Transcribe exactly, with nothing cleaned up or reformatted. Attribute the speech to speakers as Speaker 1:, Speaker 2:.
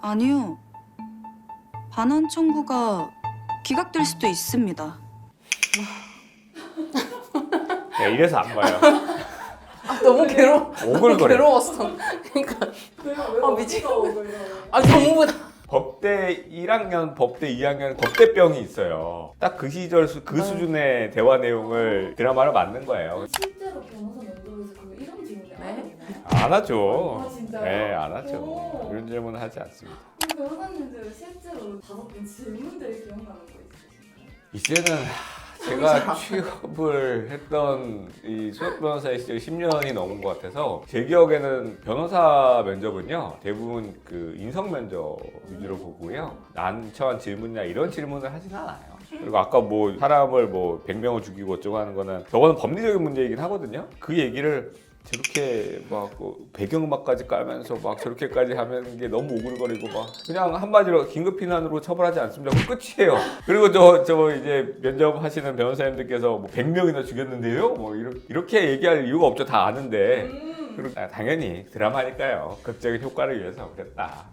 Speaker 1: 아니요. 반환 청구가 기각될 수도 있습니다.
Speaker 2: 네, 이래서 안 봐요.
Speaker 3: 아, 너무 괴로워. 너무
Speaker 2: 오글거려.
Speaker 3: 괴로웠어. 그러니까
Speaker 4: 내가 왜
Speaker 3: 아,
Speaker 4: 어디가
Speaker 3: 미치겠네.
Speaker 4: 오글거려.
Speaker 3: 아 전부 다.
Speaker 2: 법대 일 학년, 법대 이 학년 법대병이 있어요. 딱 그 시절 수, 그 수준의 대화 내용을 드라마로 만든 거예요.
Speaker 4: 실제로 변호사 면접에서 그 이런 질문을 안
Speaker 3: 네?
Speaker 4: 하나요?
Speaker 2: 안 하죠.
Speaker 4: 아, 진짜요?
Speaker 2: 네, 안 하죠.
Speaker 4: 오.
Speaker 2: 이런 질문은 하지 않습니다.
Speaker 4: 그럼 변호사님들 실제로 받았던 질문들이 기억나는 거 있으신가요?
Speaker 2: 이제는 제가 취업을 했던 이 수석 변호사의 시절이 십 년이 넘은 것 같아서 제 기억에는 변호사 면접은요 대부분 그 인성 면접 위주로 보고요 난처한 질문이나 이런 질문을 하진 않아요. 그리고 아까 뭐 사람을 뭐 백 명을 죽이고 어쩌고 하는 거는 저거는 법리적인 문제이긴 하거든요. 그 얘기를 저렇게 막뭐 배경음악까지 깔면서 막 저렇게까지 하면 게 너무 오글거리고 막 그냥 한마디로 긴급피난으로 처벌하지 않습니다. 그 끝이에요. 그리고 저, 저 이제 면접하시는 변호사님들께서 뭐 백 명이나 죽였는데요? 뭐 이렇게, 이렇게 얘기할 이유가 없죠. 다 아는데.
Speaker 4: 음.
Speaker 2: 그리고 아, 당연히 드라마니까요. 극적인 효과를 위해서 그랬다.